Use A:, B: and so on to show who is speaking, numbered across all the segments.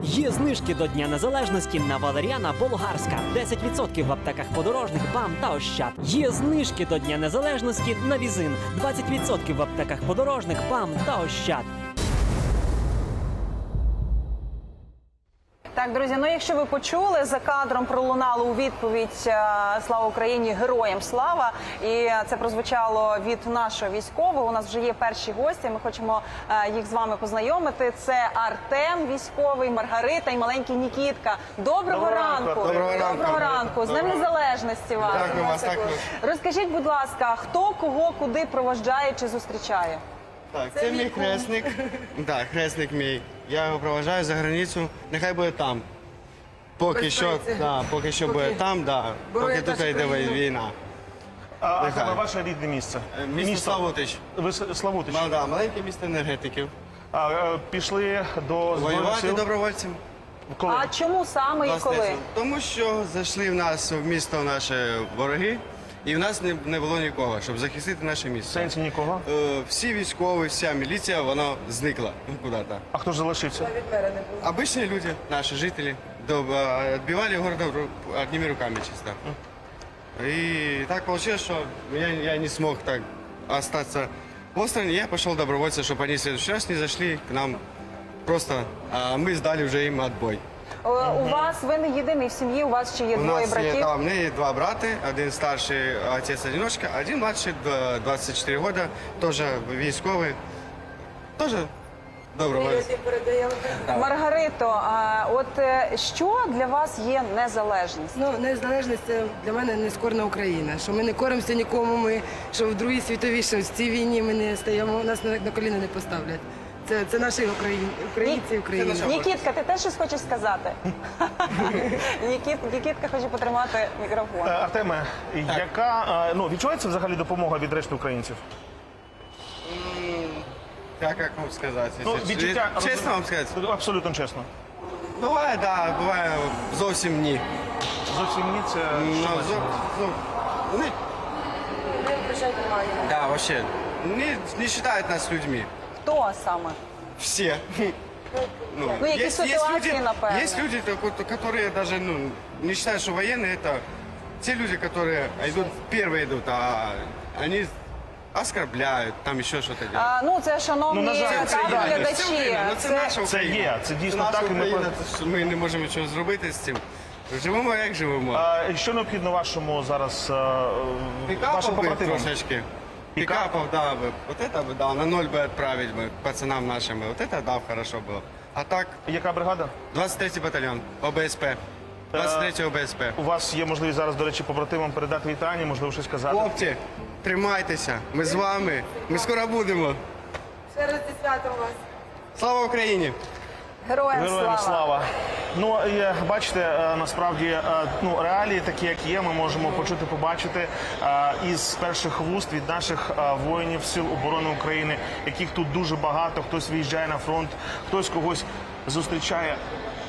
A: Є знижки до Дня Незалежності на валеріана болгарська. 10% в аптеках подорожних, БАМ та Ощад. Є знижки до Дня Незалежності на візин. 20% в аптеках подорожних, БАМ та Ощад.
B: Так, друзі, ну якщо ви почули, за кадром пролунало у відповідь «Слава Україні! Героям слава!» І це прозвучало від нашого військового. У нас вже є перші гості, ми хочемо їх з вами познайомити. Це Артем військовий, Маргарита і маленький Нікітка. Доброго ранку! Доброго ранку! З Днем Незалежності вас!
C: Дякую вас, дякую.
B: Розкажіть, будь ласка, хто кого куди проводжає чи зустрічає?
C: Так, це мій хресник. Так, хресник мій. Я його проважаю за границю. Нехай буде там. Поки що буде там, поки тут йде війна.
D: А це ваше рідне місце?
C: Місто Славутич.
D: Ви Славутич?
C: Маленьке місто енергетиків.
D: Пішли до Збройних
C: Воювати
D: сил?
C: добровольцем.
D: Коли?
B: А чому саме і коли?
C: Тому що зайшли в нас в місто наші вороги, і в нас не було нікого, щоб захистити наше
D: В
C: місто.
D: сенсі нікого?
C: Всі військові, вся міліція, вона зникла куди-то.
D: А хто ж залишився?
C: Обычные люди, наши жители, отбивали город одними руками чисто. И так получилось, что я не смог так остаться в острове. Я пошел добровольцем, чтобы они в следующий раз не зашли к нам. Просто мы сдали уже им отбой.
B: У вас, ви не єдиний в сім'ї, у вас ще є
C: У
B: двоє
C: нас
B: братів.
C: у меня есть два брата, один старший отец-одиночка, один младший, 24 года, тоже військовый, тоже добровольец.
B: Маргарито, а от що для вас є незалежність?
E: Ну, незалежність – це для мене нескорна Україна. Що ми не коримося нікому, що в Другій світовій, що в цій війні ми не стаємо, нас на коліна не поставлять. Це наші українці і Україна.
B: Нікітка, ти теж щось хочеш сказати? Нікітка хоче потримати мікрофон.
D: Артеме, яка відчувається взагалі допомога від решти українців?
C: Как вам сказать?
D: Відчуття...
C: Чесно вам сказати?
D: Абсолютно чесно.
C: Буває, буває зовсім ні.
D: Зовсім ні, це що значить?
C: Да, вообще. Не считают нас людьми.
B: Хто саме?
C: Все.
B: Ну, якісь ситуації, напевно.
C: Есть люди, которые даже не считают, что военные это те люди, которые первые идут, а они оскорбляют, там еще что-то делают.
B: Ну, це, шановні
D: на жаль, це є.
B: глядачі.
C: Це наша
D: Це
C: Україна.
D: є, це дійсно
C: наша
D: так, і ми
C: Україна, ми не можемо нічого зробити з цим. Живемо, як живемо.
D: Що необхідно вашому зараз, вашим
C: Пикапов бы
D: побратимам?
C: трошечки. Пикапов, да, бы. Вот это бы, да, на 0 бы отправить бы пацанам нашим. Вот это, да, хорошо было. А так,
D: Яка бригада?
C: 23-й батальйон, ОБСП. 23-й ОБСП.
D: У вас є можливість зараз, до речі, побратимам передати вітання, можливо, щось сказати?
C: Хлопці, тримайтеся, ми з вами, ми скоро будемо.
E: Ще раз зі святом вас.
C: Слава Україні!
B: Героям
D: Героям
B: слава.
D: слава. Ну, бачите, насправді, реалії такі, як є, ми можемо почути, побачити із перших вуст від наших воїнів Сил оборони України, яких тут дуже багато, хтось виїжджає на фронт, хтось когось зустрічає.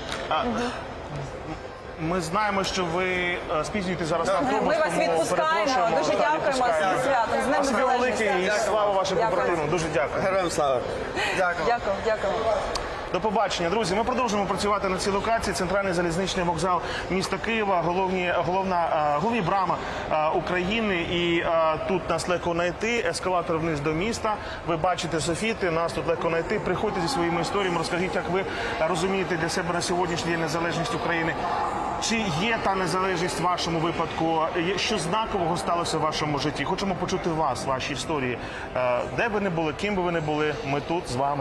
D: Ми знаємо, що ви спізнюєтесь зараз на автобус.
B: Ми вас
D: тому
B: відпускаємо.
D: перепрошуємо.
B: Дуже
D: Так,
B: дякуємо
D: відпускаємо.
B: зі святом. З Днем
D: Спасибі велике і
B: Незалежності.
D: слава вашим
B: Дякую.
D: побратимам. Дуже дякую.
C: Героям слава! Дякую.
B: Дякую.
D: До побачення, друзі. Ми продовжуємо працювати на цій локації. Центральний залізничний вокзал міста Києва, головні брама України. І тут нас легко знайти. Ескалатор вниз до міста. Ви бачите софіти, нас тут легко знайти. Приходьте зі своїми історіями, розкажіть, як ви розумієте для себе на сьогоднішній день незалежність України. Чи є та незалежність в вашому випадку? Що знакового сталося в вашому житті? Хочемо почути вас, ваші історії. Де ви не були, ким би ви не були, ми тут з вами.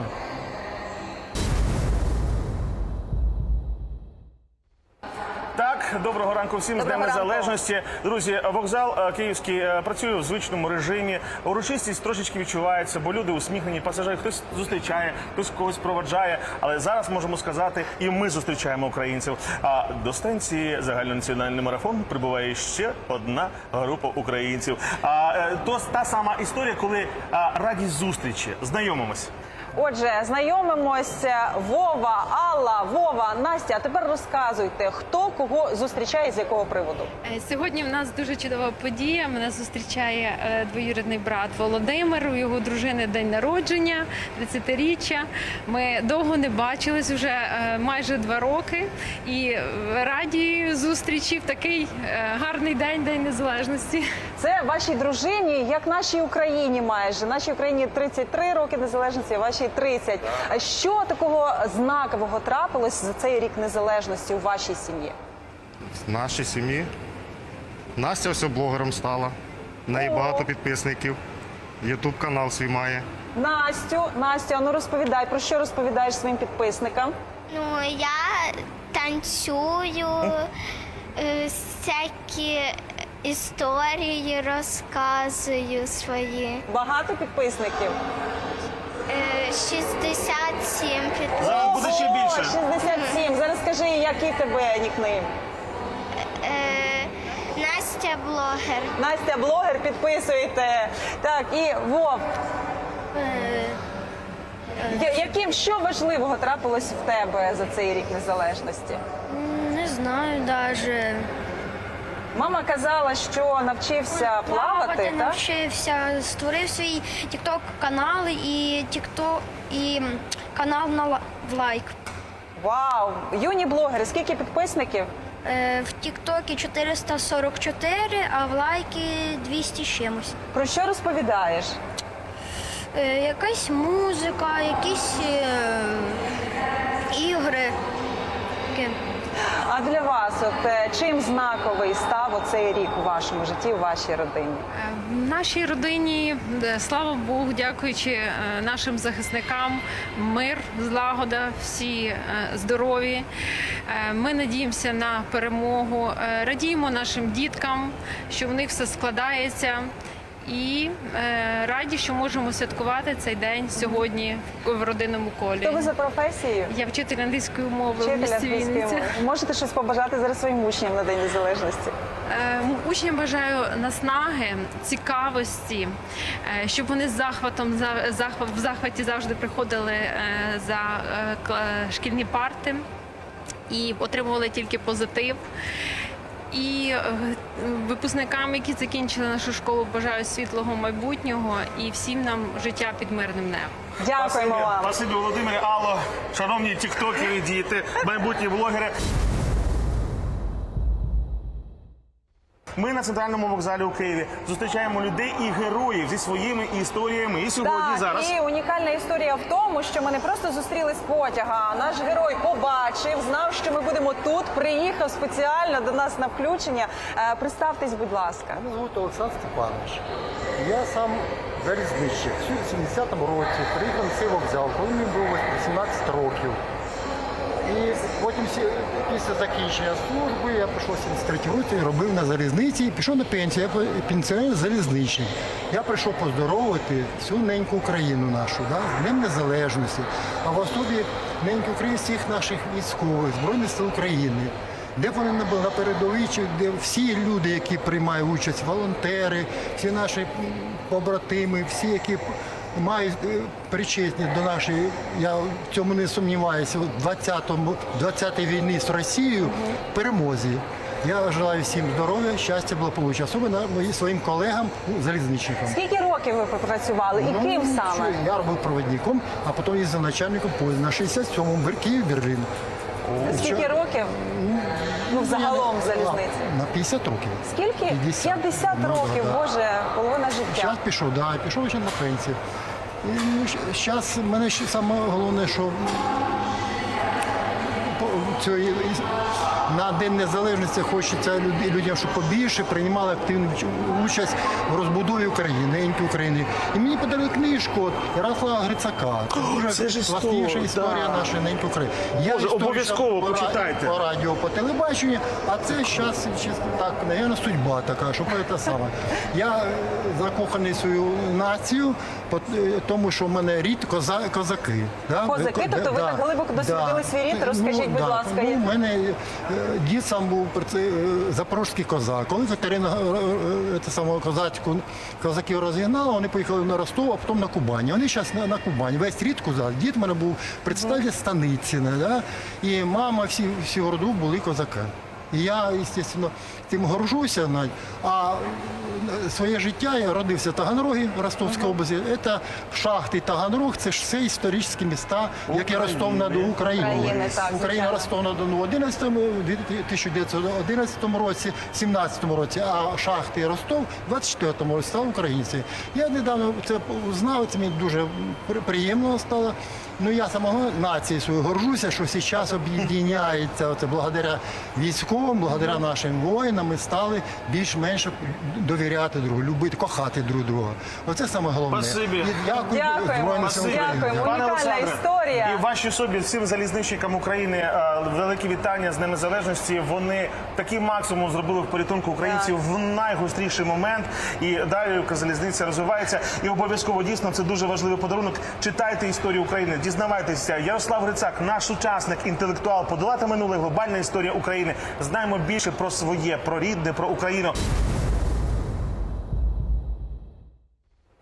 D: Так, доброго ранку всім з Днем
B: Доброго ранку.
D: Незалежності. Друзі, вокзал київський працює в звичному режимі. Урочистість трошечки відчувається, бо люди усміхнені, пасажири, хтось зустрічає, хтось когось проваджає. Але зараз можемо сказати, і ми зустрічаємо українців. А до станції загальнонаціональний марафон прибуває ще одна група українців. То та сама історія, коли радість зустрічі. Знайомимось.
B: Отже, знайомимося. Вова, Алла, Вова, Настя. А тепер розказуйте, хто кого зустрічає, з якого приводу.
F: Сьогодні в нас дуже чудова подія. Мене зустрічає двоюрідний брат Володимир. У його дружини день народження, 30-річчя. Ми довго не бачились, вже майже 2 роки. І раді зустрічі в такий гарний день, День Незалежності.
B: Це вашій дружині, як нашій Україні майже. Нашій Україні 33 роки незалежності, а вашій 30. А що такого знакового трапилось за цей рік незалежності у вашій сім'ї?
G: В нашій сім'ї Настя ось блогером стала. В неї багато підписників. Ютуб канал свій має.
B: Настю, а ну розповідай, про що розповідаєш своїм підписникам?
H: Ну, я танцюю, всякі історії розказую свої.
B: Багато підписників?
H: 67
D: Зараз буде ще більше.
B: 67. Зараз скажи, який тебе нікнейм?
H: Настя блогер.
B: Настя блогер, підписуйте. Так, і Вов. Що важливого трапилось в тебе за цей рік незалежності?
H: Не знаю навіть.
B: Мама казала, що навчився плавати, так?
H: Навчився, створив свій TikTok канал і канал в лайк.
B: Вау! Юні блогери, скільки підписників?
H: В Тіктокі 444, а в лайки 200 з чимось.
B: Про що розповідаєш?
H: Якась музика, якісь ігри. Таке.
B: А для вас, чим знаковий став оцей рік у вашому житті, у вашій родині?
F: В нашій родині, слава Богу, дякуючи нашим захисникам, мир, злагода, всі здорові. Ми надіємося на перемогу, радіємо нашим діткам, що в них все складається. І раді, що можемо святкувати цей день сьогодні в родинному колі.
B: Хто ви за професією?
F: Я вчитель англійської мови в
B: Вчитель
F: місті
B: англійської
F: Вінниця.
B: мови. Можете щось побажати зараз своїм учням на День Незалежності?
F: Учням бажаю наснаги, цікавості, щоб вони з захватом в захваті завжди приходили за шкільні парти і отримували тільки позитив. І випускникам, які закінчили нашу школу, бажаю світлого майбутнього і всім нам життя під мирним небом.
B: Дякуємо вам.
D: Спасибі, Володимире, Алло, шановні тіктокери, діти, майбутні блогери. Ми на центральному вокзалі у Києві зустрічаємо людей і героїв зі своїми історіями. І сьогодні,
B: Так,
D: зараз.
B: і унікальна історія в тому, що ми не просто зустріли з потяга, а наш герой побачив, знав, що ми будемо тут, приїхав спеціально до нас на включення. Представтесь, будь ласка.
I: Мене звуть Олександр Степанович. Я сам залізничник. В 70-му році приїхав на цей вокзал, коли мені було 18 років. І потім після закінчення служби я прийшов в 73-й році, робив на залізниці і пішов на пенсію. Я пенсіонер-залізничник. Я прийшов поздоровити всю неньку Україну нашу, да, з Днем Незалежності, а в особі неньки України всіх наших військових, Збройних сил України. Де б вони не були на передовій, де всі люди, які приймають участь, волонтери, всі наші побратими, всі, які мають причетні до нашої, я в цьому не сумніваюся, 20-й війни з Росією, перемозі. Я бажаю всім здоров'я, щастя, благополуччя, особливо своїм колегам, залізничникам.
B: Скільки років ви пропрацювали і ким саме?
I: Я робив провідником, а потім їздив начальником поїзду на 67-му Київ-Берлін.
B: Скільки років? Ну, загалом в залізниці.
I: На 50 років.
B: Скільки? 50
I: Ну,
B: років,
I: да.
B: Боже, половина життя.
I: Зараз пішов, пішов ще на пенсію. І зараз мене ще саме головне, що на День Незалежності хочеться людям, щоб побільше приймали активну участь в розбудові України, неньки України. І мені подарили книжку от Ярослава Грицака. Це дуже класніша історія нашої неньки України.
D: Боже, обов'язково почитайте.
I: По радіо, по телебаченню, а це зараз, так, мабуть, судьба така, що це саме. Я закоханий в свою націю, тому що в мене рід козаки. Да?
B: Козаки? Тобто ви так глибоко дослідили свій рід? Розкажіть, будь ласка.
I: У мене дід сам був запорозький козак. Коли Катерина козаків розігнала, вони поїхали на Ростов, а потім на Кубань. Вони зараз на Кубані. Весь рід козак. Дід в мене був представник Станицина, да? І мама, всі в роду були козаки. І я, звісно, тим горжуся, а своє життя я родився в Таганрогі, Ростовська область. Це шахти Таганрог, це ж все історичні міста, як і Ростов-на-Дону,
B: України, так,
I: Україна, Ростов-на-Дону в 1911 році, в 17-му році, а шахти і Ростов в 24-му році стали українці. Я недавно це узнав, це мені дуже приємно стало. Ну, я самого нації свою горжуся, що зараз об'єднається благодаря військовим, благодаря нашим воїнам ми стали більш-менш довіряти другу, любити, кохати друг друга. Оце саме головне.
D: Спасибі.
I: І дякую Збройним силам України.
B: Дякуємо.
D: Пане
B: Унікальна
D: Олександре,
B: історія.
D: і вашій особі, всім залізничникам України, великі вітання з Днем Незалежності. Вони такий максимум зробили в порятунку українців в найгостріший момент. І далі Укрзалізниця розвивається. І обов'язково, дійсно, це дуже важливий подарунок. Читайте історію України, дізнавайтеся. Ярослав Грицак, наш учасник, інтелектуал, подолати минуле, глобальна історія України. Знаємо більше про своє, про рідне, про Україну.